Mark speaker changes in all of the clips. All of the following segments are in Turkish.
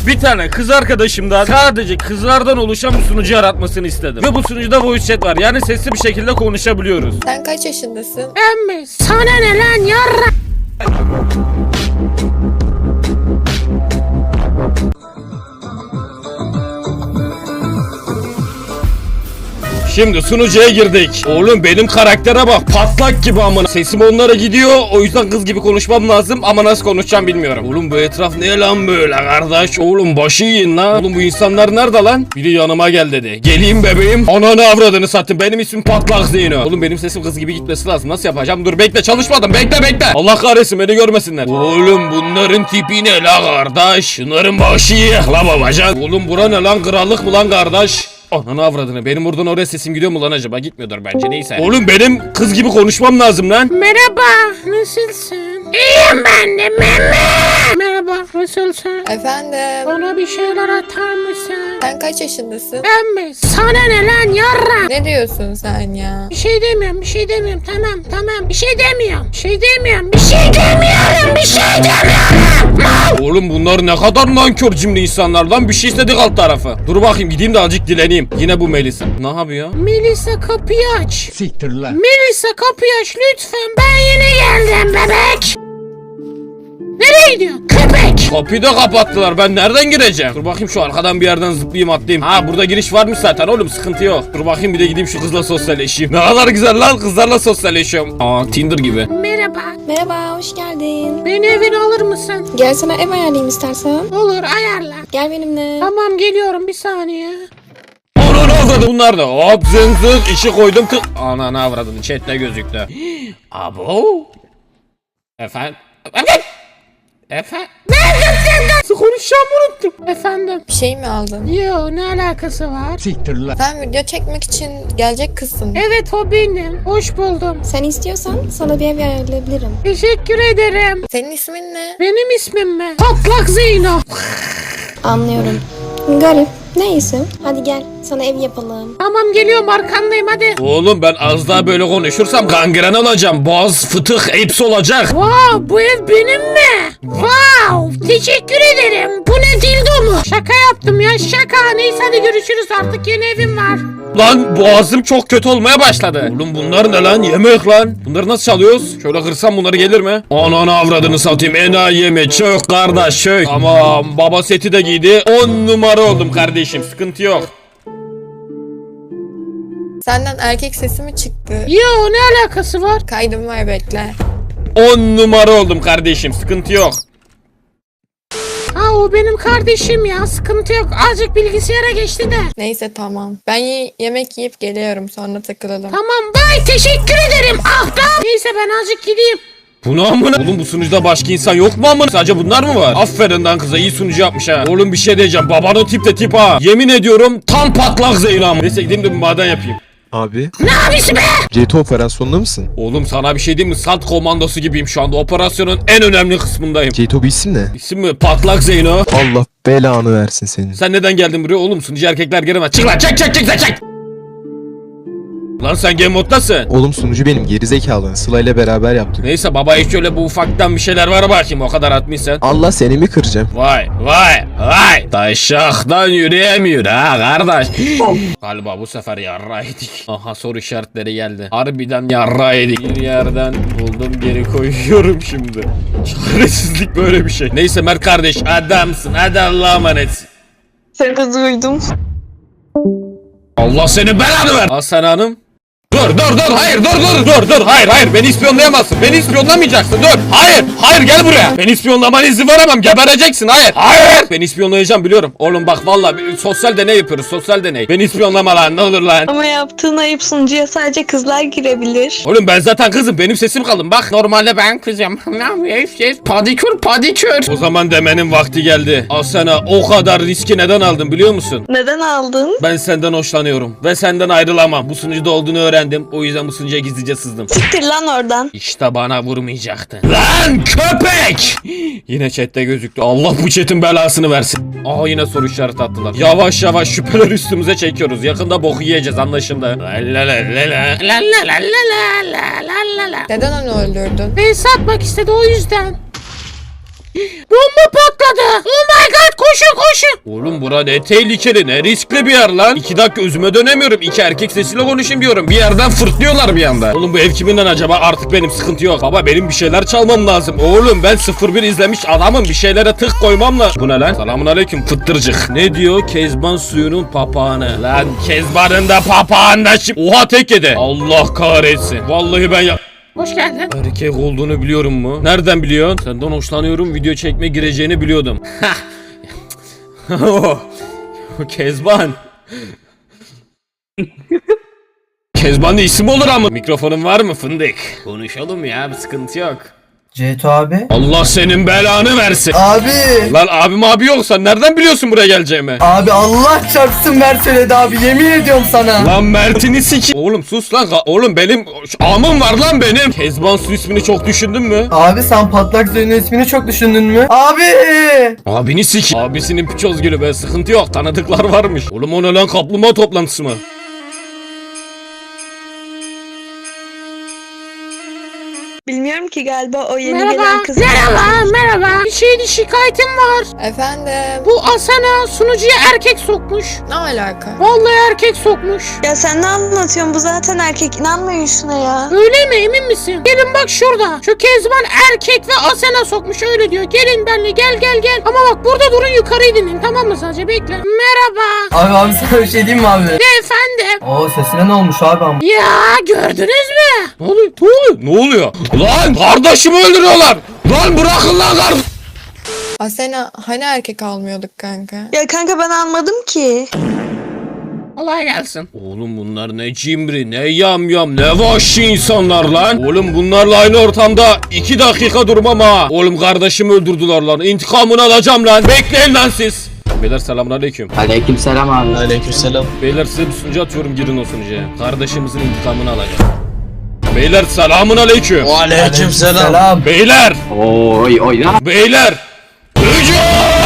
Speaker 1: bir tane kız arkadaşımdan sadece kızlardan oluşan bir sunucu yaratmasını istedim. Ve bu sunucuda voice chat var. Yani sesli bir şekilde konuşabiliyoruz.
Speaker 2: Sen kaç yaşındasın?
Speaker 3: Emmi sana ne lan yarra?
Speaker 1: Şimdi sunucuya girdik. Oğlum benim karaktere bak, patlak gibi amına. Sesim onlara gidiyor, o yüzden kız gibi konuşmam lazım ama nasıl konuşacağım bilmiyorum. Oğlum bu etraf ne lan böyle kardeş? Oğlum başı yiyin lan. Oğlum bu insanlar nerede lan? Biri yanıma gel dedi. Geleyim bebeğim. Ananı avradını sattım. Benim ismim Patlak Zeyno. Oğlum benim sesim kız gibi gitmesi lazım. Nasıl yapacağım? Dur bekle, çalışmadım. Bekle. Allah kahretsin, beni görmesinler. Oğlum bunların tipi ne la kardeş? Şunların başı yiyek la babacan. Oğlum bura ne lan? Krallık mı lan kardeş? Ananı avradını, benim buradan oraya sesim gidiyor mu lan acaba? Gitmiyordur bence, neyse. Oğlum benim kız gibi konuşmam lazım lan.
Speaker 3: Merhaba, nasılsın? İyiyim ben de Merhaba, nasılsın?
Speaker 2: Efendim?
Speaker 3: Bana bir şeyler atar mısın?
Speaker 2: Sen kaç yaşındasın?
Speaker 3: Emmi sana ne lan yarra?
Speaker 2: Ne diyorsun sen ya?
Speaker 3: Bir şey demiyorum. Tamam. Bir şey demiyorum.
Speaker 1: Oğlum bunlar ne kadar nankör cimri insanlar lan, bir şey istedik alt tarafı. Dur bakayım, gideyim de azıcık dileneyim. Yine bu Melisa. Ne yapıyor?
Speaker 3: Melisa kapıyı aç.
Speaker 4: Siktir lan.
Speaker 3: Melisa kapıyı aç lütfen. Ben yeni geldim bebek. Nereye gidiyorsun? Köpek.
Speaker 1: Kapıyı da kapattılar, ben nereden gireceğim? Dur bakayım, şu arkadan bir yerden zıplayayım atlayayım. Ha burada giriş varmış zaten oğlum, sıkıntı yok. Dur bakayım, bir de gideyim şu kızla sosyalleşeyim. Ne kadar güzel lan, kızlarla sosyalleşiyorum. Aa Tinder gibi.
Speaker 3: Merhaba.
Speaker 5: Merhaba, hoş geldin.
Speaker 3: Beni evine alır mısın?
Speaker 5: Gel sana ev ayarlayayım istersen.
Speaker 3: Olur, ayarla.
Speaker 5: Gel benimle.
Speaker 3: Tamam, geliyorum bir saniye.
Speaker 1: Ananı avradı bunlar da. Hop zınzık işi koydum kız. Ananı avradın, chatte gözüktü. Abo. Efendim? Nasıl konuşacağımı unuttum.
Speaker 3: Efendim?
Speaker 2: Bir şey mi aldın?
Speaker 3: Yo, ne alakası var?
Speaker 4: Siktir lan.
Speaker 2: Sen video çekmek için gelecek kızsın.
Speaker 3: Evet, o benim. Hoş buldum.
Speaker 5: Sen istiyorsan sana bir ev ayarlayabilirim.
Speaker 3: Teşekkür ederim.
Speaker 2: Senin ismin ne?
Speaker 3: Benim ismim mi? Patlak Zeyno.
Speaker 5: Anlıyorum. Garip. Neyse. Hadi gel. Sana ev yapalım.
Speaker 3: Tamam, geliyorum, arkandayım hadi.
Speaker 1: Oğlum ben az daha böyle konuşursam gangren olacağım. Boğaz, fıtık hepsi olacak.
Speaker 3: Wow, bu ev benim mi? Wow, teşekkür ederim. Bu ne, dildo mu? Şaka yaptım ya, şaka. Neyse hadi görüşürüz, artık yeni evim var.
Speaker 1: Lan boğazım çok kötü olmaya başladı. Oğlum bunlar ne lan? Yemek lan. Bunları nasıl çalıyoruz? Şöyle kırsam bunları gelir mi? Ananı avradını satayım. Enayi yeme. Çök kardeş çök. Tamam, baba seti de giydi. 10 numara oldum kardeşim. Sıkıntı yok.
Speaker 2: Senden erkek sesi mi çıktı?
Speaker 3: Yo, ne alakası var?
Speaker 2: Kaydım var, bekle.
Speaker 1: 10 numara oldum kardeşim. Sıkıntı yok.
Speaker 3: Ha, o benim kardeşim ya, sıkıntı yok. Azıcık bilgisayara geçti de.
Speaker 2: Neyse tamam. Ben yemek yiyip geliyorum, sonra takılalım.
Speaker 3: Tamam, bye, teşekkür ederim. Ah be. Neyse ben azıcık gideyim.
Speaker 1: Bu ne amına? Oğlum bu sunucuda başka insan yok mu amına? Sadece bunlar mı var? Aferin lan kıza, iyi sunucu yapmış ha. Oğlum bir şey diyeceğim. Babanın tip de tip ha. Yemin ediyorum tam patlak Zeynep. Neyse gideyim de bir maden yapayım.
Speaker 6: Abi,
Speaker 3: Ne abisi be?
Speaker 6: CT operasyonunda mısın?
Speaker 1: Oğlum sana bir şey diyeyim mi? SAT komandosu gibiyim şu anda. Operasyonun en önemli kısmındayım.
Speaker 6: CT bu isim ne?
Speaker 1: İsim mi? Patlak Zeyno.
Speaker 6: Allah belanı versin senin.
Speaker 1: Sen neden geldin buraya oğlum? Sunucu erkekler giremez. Çık lan, çık. Lan sen game moddasın.
Speaker 6: Oğlum sunucu benim, gerizekalı. Sıla ile beraber yaptık.
Speaker 1: Neyse baba, hiç öyle bu ufaktan bir şeyler var bakayım, o kadar atmışsın.
Speaker 6: Allah seni mi kıracağım?
Speaker 1: Vay. Taşaktan yürüyemiyor ha kardeş. Galiba bu sefer yarra yedik. Aha, soru işaretleri geldi. Harbiden yarra yedik. Bir yerden buldum, geri koyuyorum şimdi. Çaresizlik böyle bir şey. Neyse Mert kardeş, adamsın. Hadi Allah'a emanetsin.
Speaker 5: Seni de duydum.
Speaker 1: Allah seni belanı ver. Hasan Hanım. Dur, hayır, beni ispiyonlayamazsın, beni ispiyonlamayacaksın, dur, hayır, gel buraya, beni ispiyonlamana izin veremem, gebereceksin, hayır, beni ispiyonlayacağım biliyorum, oğlum bak vallahi sosyal deney yapıyoruz, sosyal deney, beni ispiyonlama lan, ne olur lan.
Speaker 7: Ama yaptığın ayıp, sunucuya sadece kızlar girebilir.
Speaker 1: Oğlum ben zaten kızım, benim sesim kalın bak, normalde ben kızım, ne yapıyorsun, padikür. O zaman demenin vakti geldi. Asena, o kadar riski neden aldın biliyor musun?
Speaker 7: Neden aldın?
Speaker 1: Ben senden hoşlanıyorum ve senden ayrılamam, bu sunucuda olduğunu öğrendim, o yüzden bu sunucuya gizlice sızdım.
Speaker 7: Siktir lan oradan.
Speaker 1: İşte bana vurmayacaktın. Lan köpek! Yine chatte gözüktü. Allah bu chatin belasını versin. Aa, yine soru işareti attılar. Yavaş yavaş şüpheler üstümüze çekiyoruz. Yakında boku yiyeceğiz, anlaşıldı.
Speaker 2: Neden onu öldürdün?
Speaker 3: Beni satmak istedi, o yüzden. Bomba patladı. Oh my god, koşun koşun.
Speaker 1: Oğlum bura ne tehlikeli, ne riskli bir yer lan. 2 dakika özüme dönemiyorum. 2 erkek sesiyle konuşayım diyorum. Bir yerden fırtlıyorlar bir anda. Oğlum bu ev kiminden acaba? Artık benim sıkıntı yok. Baba benim bir şeyler çalmam lazım. Oğlum ben 01 izlemiş adamım. Bir şeylere tık koymam lazım. Bu ne lan? Selamun aleyküm fıttırcık. Ne diyor? Kezban suyunun papağanı. Lan Kezban'ın da papağanı şimdi. Oha tek yedi. Allah kahretsin. Vallahi ben ya...
Speaker 3: Hoş geldin.
Speaker 1: Erkek olduğunu biliyorum mu? Nereden biliyorsun? Senden hoşlanıyorum. Video çekme gireceğini biliyordum. Kezban. Kezban da isim olur ama. Mikrofonun var mı fındık? Konuşalım ya, bir sıkıntı yok.
Speaker 4: Ceyto abi.
Speaker 1: Allah senin belanı versin.
Speaker 4: Abi.
Speaker 1: Lan abim abi yoksa nereden biliyorsun buraya geleceğimi?
Speaker 4: Abi Allah çarpsın Mert söyledi abi, yemin ediyorum sana.
Speaker 1: Lan Mert'ini siki... Oğlum sus lan. Oğlum benim... Amım var lan benim. Kezban su ismini çok düşündün mü?
Speaker 4: Abi sen patlak Zeyno'nun ismini çok düşündün mü? Abi.
Speaker 1: Abini sik. Abisinin piçoz gülü be, sıkıntı yok. Tanıdıklar varmış. Oğlum o ne lan, kaplumbağa toplantısı mı?
Speaker 7: Bilmiyorum ki, galiba o yeni
Speaker 3: Merhaba.
Speaker 7: gelen kız.
Speaker 3: Merhaba. Bir şeyin şikayetim var.
Speaker 2: Efendim.
Speaker 3: Bu Asena sunucuya erkek sokmuş.
Speaker 2: Ne alaka?
Speaker 3: Vallahi erkek sokmuş.
Speaker 7: Ya sen ne anlatıyorsun? Bu zaten erkek. İnanmayın şuna ya.
Speaker 3: Öyle mi, emin misin? Gelin bak şurada. Şu Kezban erkek ve Asena sokmuş, öyle diyor. Gelin benimle, gel. Ama bak burada durun, yukarıyı dinleyin, tamam mı, sadece bekle. Merhaba.
Speaker 4: Abi sana bir şey diyeyim mi abi?
Speaker 3: Efendim.
Speaker 4: Oo, sesine ne olmuş abi ama?
Speaker 3: Ya gördünüz mü?
Speaker 1: Ne oluyor? Ne oluyor? Lan kardeşimi öldürüyorlar. Lan bırakın lan kardeşim.
Speaker 2: Asena hani erkek almıyorduk kanka?
Speaker 7: Ya kanka ben almadım ki.
Speaker 3: Kolay gelsin.
Speaker 1: Oğlum bunlar ne cimri, ne yamyam, ne vahşi insanlar lan. Oğlum bunlarla aynı ortamda 2 dakika durmam ha. Oğlum kardeşimi öldürdüler lan. İntikamını alacağım lan. Bekleyin lan siz. Beyler selamünaleyküm.
Speaker 8: Aleykümselam abi.
Speaker 6: Aleykümselam.
Speaker 1: Beyler size bir sunucu atıyorum, girin o sunucuya. Kardeşimizin intikamını alacağım. Beyler selamünaleyküm.
Speaker 6: Aleykümselam.
Speaker 4: Selam.
Speaker 1: Beyler.
Speaker 8: Oy lan.
Speaker 1: Beyler. Hücum!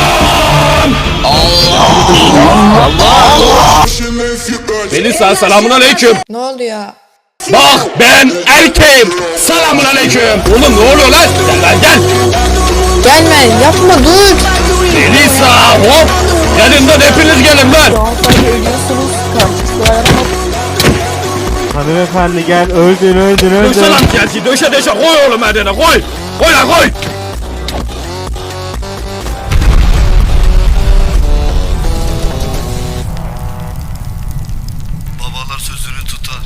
Speaker 1: Melisa selamünaleyküm.
Speaker 2: Ne oldu ya?
Speaker 1: Bak ben erkeğim. Selamünaleyküm. Oğlum ne oluyor lan? Gel lan gel.
Speaker 2: Gelme, yapma, dur.
Speaker 1: Melisa hop. Gelin lan hepiniz gelin lan.
Speaker 9: Hanımefendi gel, öldün.
Speaker 1: Döşe lan geldi, döşe koy oğlum hadi koy. Koy lan koy.
Speaker 6: Babalar sözünü tutar.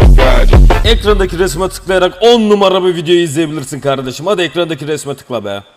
Speaker 1: Ekrandaki resme tıklayarak 10 numara bir videoyu izleyebilirsin kardeşim. Hadi ekrandaki resme tıkla be.